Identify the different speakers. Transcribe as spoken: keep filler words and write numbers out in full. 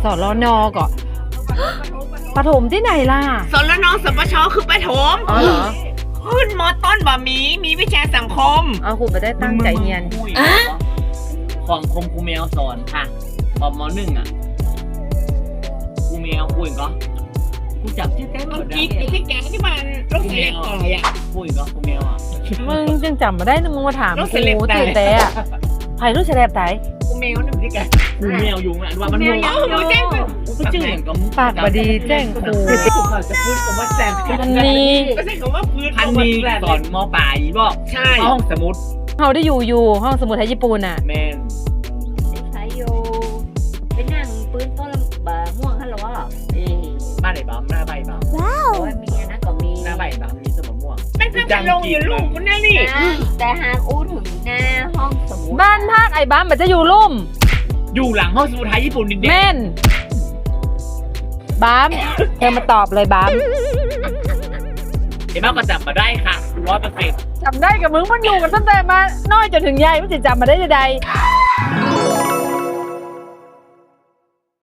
Speaker 1: สรนก่อนปฐมที่ไหนล่ะ
Speaker 2: สรนสปชคือประถม
Speaker 1: อ๋อเหรอ
Speaker 2: ขึ้นมอต้นบ่มีมีวิชาสังคม
Speaker 1: เอาครูไปได้ตั้งใจเรียน
Speaker 3: ของคมครูแมวสอนค่ะตอนมหนึ่งอ่ะครูแมวคุยก็กูจับชื่อแก้ม
Speaker 2: เอา
Speaker 3: ได้
Speaker 2: กิ๊กไอ้ที่แกที่มันลูกเสียก่อยอ่ะ
Speaker 3: คุยก็ครูแมวอ่ะ
Speaker 1: มึงจึงจำมาได้นึงมึงมาถาม
Speaker 2: รถ
Speaker 1: กู
Speaker 2: เสลบตาย
Speaker 1: ตื่นแต่อะไผ่รู้เฉลบไต
Speaker 2: กูแมวหนึ่งที่แก
Speaker 3: ครูแมวอยู่อ่ะว่ามัน
Speaker 2: แม
Speaker 3: มั่
Speaker 2: ว
Speaker 3: ว
Speaker 2: ยังอยู่แจ้งไป
Speaker 3: กูก็ชื่ออย่างก็
Speaker 1: ปากบดีแจ้งครู
Speaker 2: จะพูดคำว่าแซม
Speaker 1: อันนี้
Speaker 2: ไม่ใช่คำว่าพื้น
Speaker 3: พันมีสอนมปลายบอก
Speaker 2: ใช่
Speaker 3: ห้องสมุด
Speaker 1: เขาได้อยู่อยู่ห้องสมุดไทยญี่ปุ่นอ่ะ
Speaker 3: แมน
Speaker 4: ใช้โยไปนั่งปืนต้นบะม่วงฮัลโหลเหรอนี่
Speaker 3: บ้านไหนบ้างหน้าใบบ้าง
Speaker 4: โอ้ยมีอันนั้นก็มี
Speaker 3: หน้าใบบ้างมีสมม่วง
Speaker 2: ไม่ใช่จะลงอยู่ลูกคุณนั่นนี่
Speaker 4: นะแต่หากอู้ถึงหน้าห้องสมุด
Speaker 1: บ้านภาคไอ้บ้านมันจะอยู่ลุ่ม
Speaker 3: อยู่หลังห้องสมุดไทยญี่ปุ่นดิเด็ก
Speaker 1: แม่นบ้ามเธอมาตอบเลยบ้าม
Speaker 3: เห็นบ้างก็จับมาได้ค่ะร้อยเปอร์เซ็นต์
Speaker 1: จำได้กับมึงมันอยู่กันตั้งแต่มาน้อยจนถึงใหญ่มันจะจำมาได้ใดๆ